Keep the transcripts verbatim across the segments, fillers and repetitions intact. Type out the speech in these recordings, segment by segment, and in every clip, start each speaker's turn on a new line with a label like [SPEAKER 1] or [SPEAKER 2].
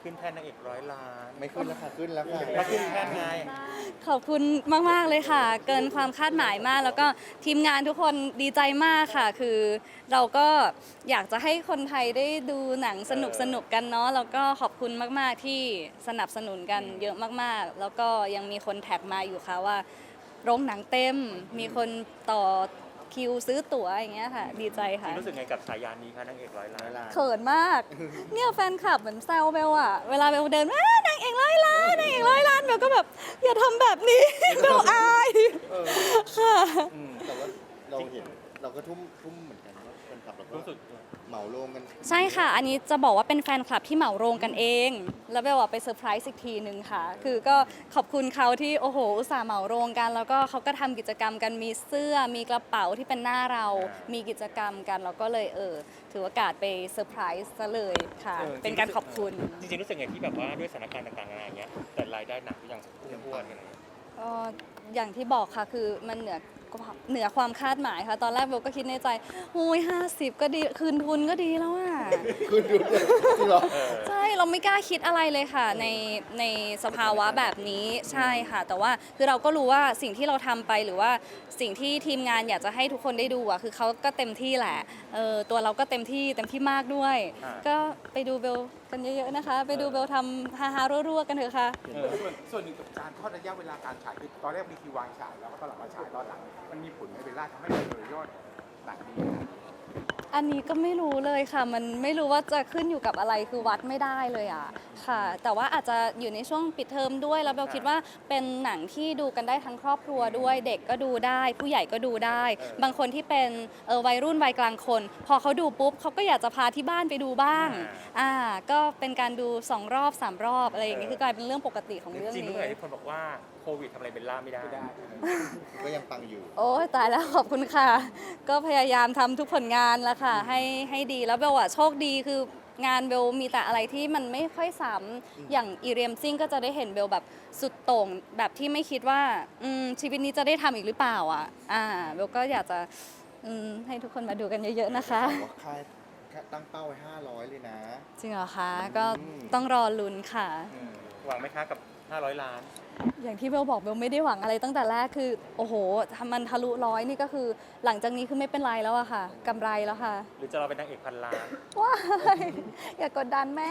[SPEAKER 1] ขึ้นแท่นนางเอกร้อยล้าน
[SPEAKER 2] ไม่ขึ้นแล้วค่ะขึ้นแล้วค่ะ
[SPEAKER 1] มาขึ้นแท่นไง
[SPEAKER 3] ขอบคุณมากๆเลยค่ะ เกินความคาดหมายมาก แล้วก็ทีมงานทุกคนดีใจมากค่ะ คือเราก็อยากจะให้คนไทยได้ดูหนังสนุกสนุกกันเนาะแล้วก็ขอบคุณมากๆที่สนับสนุนกันเยอะมากๆ แล้วก็ยังมีคนแท็กมาอยู่ค่ะว่าโรงหนังเต็ม มีคนต่อคิวซื้อตั๋วอย่างเงี้ยค่ะ ดีใจค่ะ
[SPEAKER 1] รู้สึกไงกับฉายานี้คะนางเอกร้อยล้าน
[SPEAKER 3] เขินมาก เนี่ยแฟนคลับเหมือนแซวเบลอะเวลาเบลเดินอ้านางเอกร้อยล้านนางเอกร้อยล้านเบลก็แบบอย่าทำแบบนี้ เบลอาย
[SPEAKER 2] เออ
[SPEAKER 3] ค่ะ
[SPEAKER 1] อืม
[SPEAKER 2] แต่ว่าเราเห็นเราก็ทุ่มทุ่มเหมือนกันนะแฟนคลับเราก็
[SPEAKER 1] รู้สึก
[SPEAKER 2] เหมาโรงกัน
[SPEAKER 3] ใช่ค่ะ อันนี้จะบอกว่าเป็นแฟนคลับที่เหมาโรงกันเอง แล้วเบลอะไปเซอร์ไพรส์อีกทีหนึ่งค่ะ คือก็ขอบคุณเขาที่โอ้โหอุตส่าห์เหมาโรงกัน แล้วก็เขาก็ทำกิจกรรมกันมีเสื้อ มีกระเป๋าที่เป็นหน้าเรา มีกิจกรรมกันเราก็เลยเออถือโอกาสไปเซอร์ไพรส์ซะเลยค่ะ
[SPEAKER 1] ออ
[SPEAKER 3] เป็นการขอบคุณ
[SPEAKER 1] จริงๆรู้สึกไงที่แบบว่าด้วยสถานการณ์ต่างๆอะไรอย่างเงี้ยแต่รายได้หนักก็ยังพุ่งพรวดกันเลย
[SPEAKER 3] ก็อย่างที่บอกค่ะคือมันเหนือเหนือความคาดหมายค่ะ ตอนแรกเบลก็คิดในใจโอ้ยห้าสิบก็ดีคืนทุนก็ดีแล้วอ่ะ
[SPEAKER 2] ขึ้นดูเลยจริงเหรอ
[SPEAKER 3] ใช่เราไม่กล้าคิดอะไรเลยค่ะในในสภาวะแบบนี้ใช่ค่ะ แต่ว่าคือเราก็รู้ว่าสิ่งที่เราทำไปหรือว่าสิ่งที่ทีมงานอยากจะให้ทุกคนได้ดูอ่ะคือเขาก็เต็มที่แหละเออตัวเราก็เต็มที่เต็มที่มากด้วย
[SPEAKER 1] อ่า
[SPEAKER 3] ก็ไปดูเบลกันเยอะๆนะคะ ไปดูเบลทำฮาฮาๆรัวๆกันเถอะค่ะ
[SPEAKER 1] เออ
[SPEAKER 4] ส่วนส่วนหนึ่งกับการทอดระยะเวลาการฉายคือตอนแรกมีคิววางฉายแล้วก็ตอนหลังมาฉายตอนหลังมันมีผลไหมเวลาทำให้เรายอดหนังดี
[SPEAKER 3] อันนี้ก็ไม่รู้เลยค่ะ มันไม่รู้ว่าจะขึ้นอยู่กับอะไรคือวัดไม่ได้เลยอ่ะค่ะ แต่ว่าอาจจะอยู่ในช่วงปิดเทอมด้วยแล้วเบลคิดว่าเป็นหนังที่ดูกันได้ทั้งครอบครัวด้วย เด็กก็ดูได้ ผู้ใหญ่ก็ดูได้ บางคนที่เป็นเออวัยรุ่นวัยกลางคน พอเขาดูปุ๊บเขาก็อยากจะพาที่บ้านไปดูบ้างอ่าก็เป็นการดูสองรอบสามรอบอะไรอย่างนี้คือกลายเป็นเรื่องปกติของเรื่อง
[SPEAKER 1] จริงๆ
[SPEAKER 3] นี้
[SPEAKER 1] เมื่อไหร่ที่คนบอกว่าโควิดทำอะไรเบลล่าไม่ได้
[SPEAKER 4] ไม่ได้
[SPEAKER 2] ก็ยังปังอยู่
[SPEAKER 3] โอ้ยตายแล้วขอบคุณค่ะ ก็พยายามทำทุกผลงานแล้วค่ะ ให้ให้ดีแล้วเบลอะโชคดีคืองานเบลมีแต่อะไรที่มันไม่ค่อยซ้ำอย่างอีเรียมซิ่งก็จะได้เห็นเบลแบบสุดโต่งแบบที่ไม่คิดว่าอืมชีวิตนี้จะได้ทำอีกหรือเปล่าอ่ะอ่าเบลก็อยากจะอืมให้ทุกคนมาดูกันเยอะๆนะคะ
[SPEAKER 2] บอกว่าค่ายค่ายตั้งเป้าไว้ห้าร้อยเลยนะ
[SPEAKER 3] จริงเหรอคะก็
[SPEAKER 2] อืม
[SPEAKER 3] ต้องรอลุ้นค่ะ
[SPEAKER 1] อืมหวังไหมคะกับห้าร้อยล้าน
[SPEAKER 3] อย่างที่เบลบอกเบลไม่ได้หวังอะไรตั้งแต่แรกคือโอ้โหทำมันทะลุร้อยนี่ก็คือหลังจากนี้คือไม่เป็นไรแล้วอะค่ะกำไรแล้วค่ะ
[SPEAKER 1] หรือจะเราเป็นนางเอกพันล้าน
[SPEAKER 3] ว้ายอย่ากกดดันแม่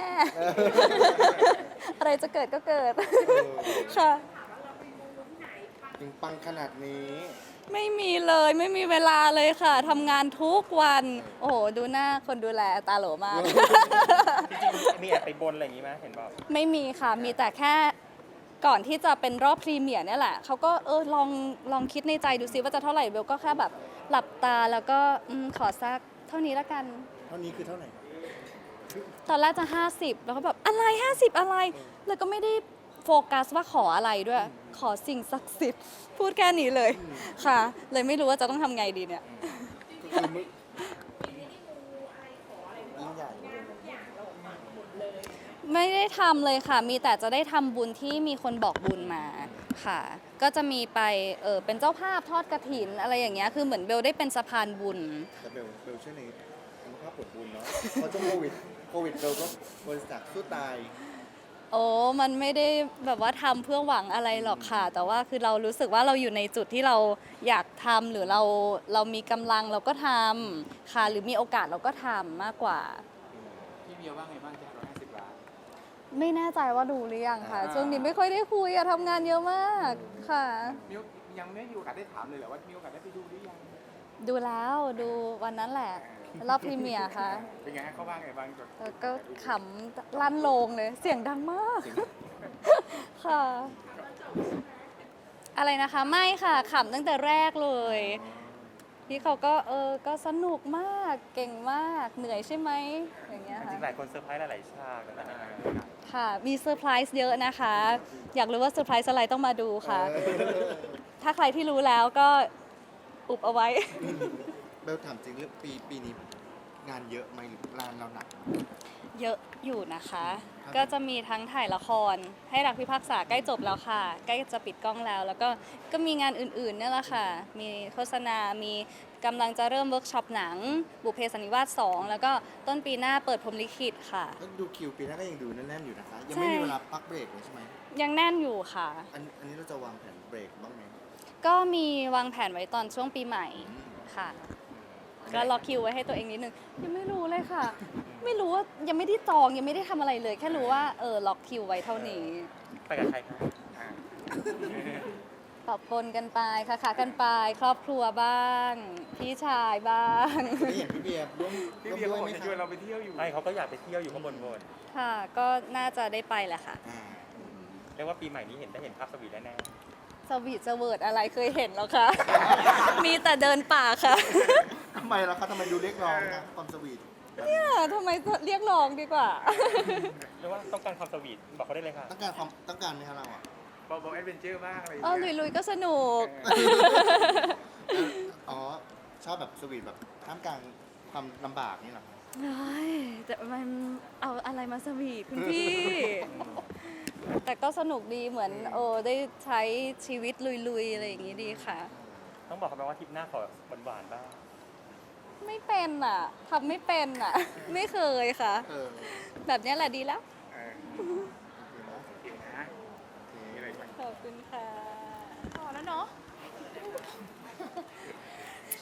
[SPEAKER 3] อะไรจะเกิดก็เกิด ค่ะ
[SPEAKER 2] ถึงปังขนาดนี้
[SPEAKER 3] ไม่มีเลยไม่มีเวลาเลยค่ะทำงานทุกวัน โอ้โห ดูหน้าคนดูแลตาโหลมาก
[SPEAKER 1] จริงๆมีแอบไปบนอะไรอย่างงี้ไหมเห็นบอก
[SPEAKER 3] ไม่มีค่ะ มีแต่แค่ก่อนที่จะเป็นรอบพรีเมียร์เนี่ยแหละ เขาก็เออลองลองคิดในใจดูซิว่าจะเท่าไหร่เบลก็แค่แบบหลับตาแล้วก็อมขอสักเท่านี้ละกัน
[SPEAKER 2] เท่านี้คือเท่าไหร่
[SPEAKER 3] ตอนแรกจะ ห้าสิบ แล้วก็แบบอะไร ห้าสิบ อะไร แล้วก็ไม่ได้โฟกัสว่าขออะไรด้วย ขอสิ่งศักดิ์สิทธิ์ พูดแค่นี้เลยค่ะ เลยไม่รู้ว่าจะต้องทำไงดีเนี่ย
[SPEAKER 2] ก็คือมึงยิ่งใหญ่
[SPEAKER 3] ไม่ได้ทำเลยค่ะ มีแต่จะได้ทำบุญที่มีคนบอกบุญมาค่ะ ก็จะมีไปเออเป็นเจ้าภาพทอดกฐินอะไรอย่างเงี้ย คือเหมือนเบลได้เป็นสะพานบุญ
[SPEAKER 2] แต่เบลเบลเชื่อในอนุภาพผลบุญเนาะเพราะช่วงโควิดโควิดเบลก็บริษัทสู้ตาย
[SPEAKER 3] โอ้ มันไม่ได้แบบว่าทำเพื่อหวังอะไรหรอกค่ะ แต่ว่าคือเรารู้สึกว่าเราอยู่ในจุดที่เราอยากทำหรือเราเรามีกำลังเราก็ทำค่ะ หรือมีโอกาสเราก็ทำมากกว่า
[SPEAKER 4] พี่เบียร์ว่าไงบ้างจะร้อยห้าสิบล้าน
[SPEAKER 3] ไม่แน่ใจว่าดูหรือยังค่ะ
[SPEAKER 2] อ่า
[SPEAKER 3] ช่วงนี้ไม่ค่อยได้คุยอะทำงานเยอะมากค่ะ
[SPEAKER 4] มิวยังไม่มีโอกาสได้ถามเลยเหรอว่ามีโอกาสได้ไปดูหรือยัง
[SPEAKER 3] ดูแล้วดูวันนั้นแหละ รอบพรีเมียร์ค่ะ
[SPEAKER 4] เป็นไงฮะเขาว่าไงบ้างกับ
[SPEAKER 3] แล้วก็ขำลั่นโลงเลย เสียงดังมาก ค่ะ อะไรนะคะ ไม่ค่ะขำตั้งแต่แรกเลย พี่เขาก็เออ ก็สนุกมาก เก่งมาก เหนื่อยใช่ไหมอย่างเงี้ย
[SPEAKER 1] จ
[SPEAKER 3] ค่ะ
[SPEAKER 1] ริงๆหลายคนเซอร์ไพรส์หลายๆฉากต่างๆ
[SPEAKER 3] ค่ะ มีเซอร์ไพรส์เยอะนะคะ อยากรู้ว่าเซอร์ไพรส์อะไรต้องมาดูค่ะ
[SPEAKER 2] เออ
[SPEAKER 3] ถ้าใครที่รู้แล้วก็อุบเอาไว้
[SPEAKER 2] เบลถามจริงเรื่องปีปีนี้งานเยอะไหมหรืองานเราหนัก
[SPEAKER 3] เยอะอยู่นะคะ ก็จะมีทั้งถ่ายละคร ให้รักพิพากษาใกล้จบแล้วค่ะ ใกล้จะปิดกล้องแล้ว แล้วก็ก็มีงานอื่นๆเนี่ยแหละค่ะ มีโฆษณา มีกำลังจะเริ่มเวิร์กช็อปหนัง บุพเพสันนิวาสสองแล้วก็ต้นปีหน้าเปิดพรหมลิขิตค่ะ
[SPEAKER 2] ก็ดูคิวปีหน้าก็ยังดูแน่นๆอยู่นะคะ ยังไม่มีเวลาพักเบรกเลยใช่ไหม
[SPEAKER 3] ยังแน่นอยู่ค่ะ
[SPEAKER 2] อันอันนี้เราจะวางแผนเบรกบ้างไหม
[SPEAKER 3] ก็มีวางแผนไว้ตอนช่วงปีใหม่ค่ะ ก็ล็อกคิวไว้ให้ตัวเองนิดนึง ยังไม่รู้เลยค่ะ ไม่รู้ว่ายังไม่ได้จองยังไม่ได้ทำอะไรเลย แค่รู้ว่าเออล็อกคิวไว้เท่านี้
[SPEAKER 1] ไปกับใครคะ
[SPEAKER 4] อ่า
[SPEAKER 3] ปรับปนกันไปค่ะค่ะกันไปครอบครัวบ้าง พี่ชายบ้าง
[SPEAKER 2] ไม่เห็นพี่เบียร์ร่วม
[SPEAKER 4] พี่
[SPEAKER 2] ร่วม
[SPEAKER 4] เบียร์
[SPEAKER 2] ด้ว
[SPEAKER 4] ก็
[SPEAKER 2] ย
[SPEAKER 4] บอ
[SPEAKER 2] ไหม
[SPEAKER 4] กจะ
[SPEAKER 2] ค
[SPEAKER 4] ชวน
[SPEAKER 2] รับ
[SPEAKER 4] เราไปเที่ยวอยู่
[SPEAKER 1] ใช่เขาก็อยากไปเที่ยวอยู่ข้างบนบน
[SPEAKER 3] ค่ะ ก็น่าจะได้ไปแหละค่ะ
[SPEAKER 2] อ่า
[SPEAKER 1] เรียกว่าปีใหม่นี้เห็นได้เห็นภาพสวีทแน่
[SPEAKER 3] สวีทสเวิร์ดอะไรเคยเห็นแล้วคะ มีแต่เดินป่าค่ะ
[SPEAKER 2] ทำไมล่ะคะทำไมดูเรียกร้องนะความสวีท
[SPEAKER 3] เนี่ยทำไมเรียกร้องดีกว่า
[SPEAKER 1] ๆเรียกว่าต้องการความสวีทบอกเขาได้เลยค่ะ
[SPEAKER 2] ต้องการความต้องการไหมคะเราอ่ะ
[SPEAKER 4] บอกบอกแอดเวนเจอร์บ้างอะไรอย่าง
[SPEAKER 3] เออ
[SPEAKER 4] เงี้ย
[SPEAKER 3] ลุยๆก็สนุก
[SPEAKER 2] อ๋อ ชอบแบบสวีทแบบท่ามกลางความลำบากนี่เหรอคะ
[SPEAKER 3] เฮ้ยแต่มันเอาอะไรมาสวีทคุณพี่ แต่ก็สนุกดีเหมือนโอ้ได้ใช้ชีวิตลุยๆ อะไรอย่างนี้ดีค่ะ
[SPEAKER 1] ต้องบอกเขาไหมว่าทริปหน้าขอหวานๆบ้าง
[SPEAKER 3] ไม่เป็นอ่ะทำไม่เป็นอ่ะ ไม่เคยค่ะ
[SPEAKER 2] เออ
[SPEAKER 3] แบบเนี้ยแหละดีแล้ว
[SPEAKER 4] เออ